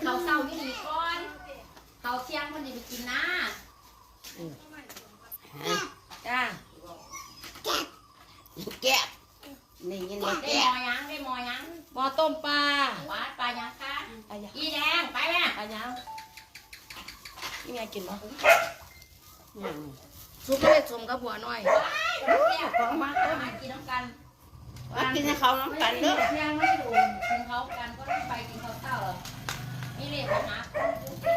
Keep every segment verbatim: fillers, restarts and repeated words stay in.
เขาเศร้าที่ดีก่อนเขาเที่ยงมันจะไปกินนะจ้าแกะนี่ยินว่าได้แกะมอยังได้มอยังหมอต้มปลาหวานปลายังคะปลาหยังอีแดงไปแม่ปลาหยังนี่ไงกินมั้ยยังซุปก็เลยสมกับหัวหน่อยแก้วของมาเอามากินน้ำกันว่ากินให้เขาน้ำกันเด้อเที่ยงไม่ดูกินเขากันก็ต้องไปกินเขาเศร้าเหรอนี่เลยไปหาคนดูสิ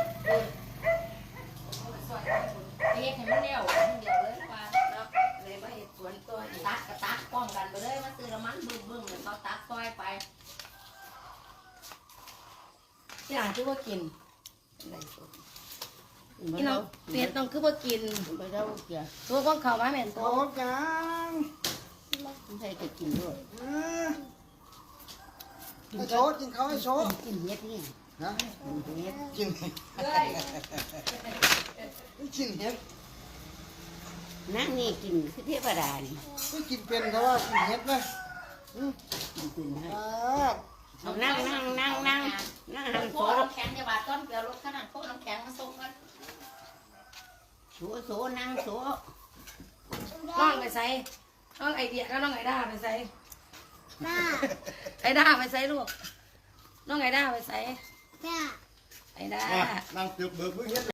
เรียกให้มันเร็วมันเดียวเลยว่าแล้วเลยมาเห็ดสวนตัวอีกตักกระตักป้องกันไปเลยมาซื้อละมันบึ้งบึ้งเหมือนเขาตักต้อยไปที่หลังคือว่ากินอะไรสดพี่น้องเป็ดน้องคือว่ากินไปเด้อเกี่ยตัวก้องเข่ามาแม่นโตตัวกันใครจะกินด้วยให้โชว์กินเขาให้โชว์กินเฮ็ดนี่นะกินเฮ็ดกินเลยกินเห็ดนั่งนี่กินคือเทวดานี่ไม่กินเป็นเขาว่ากินเห็ดไหมกินเป็นให้อ่าเอานั่งนั่งนั่งนั่งนั่งหันโคโซ่น้ำแข็งจะบาดต้นเกลือรถขนาดโคน้ำแข็งมาส่งกันโซ่โซ่นั่งโซ่น้องไปใส่น้องไอเดียก็น้องไอด้าไปใส่ไอด้าไปใส่ลูกน้องไอด้าไปใส่ไอด้านั่งเตือกเบิกมือเห็ด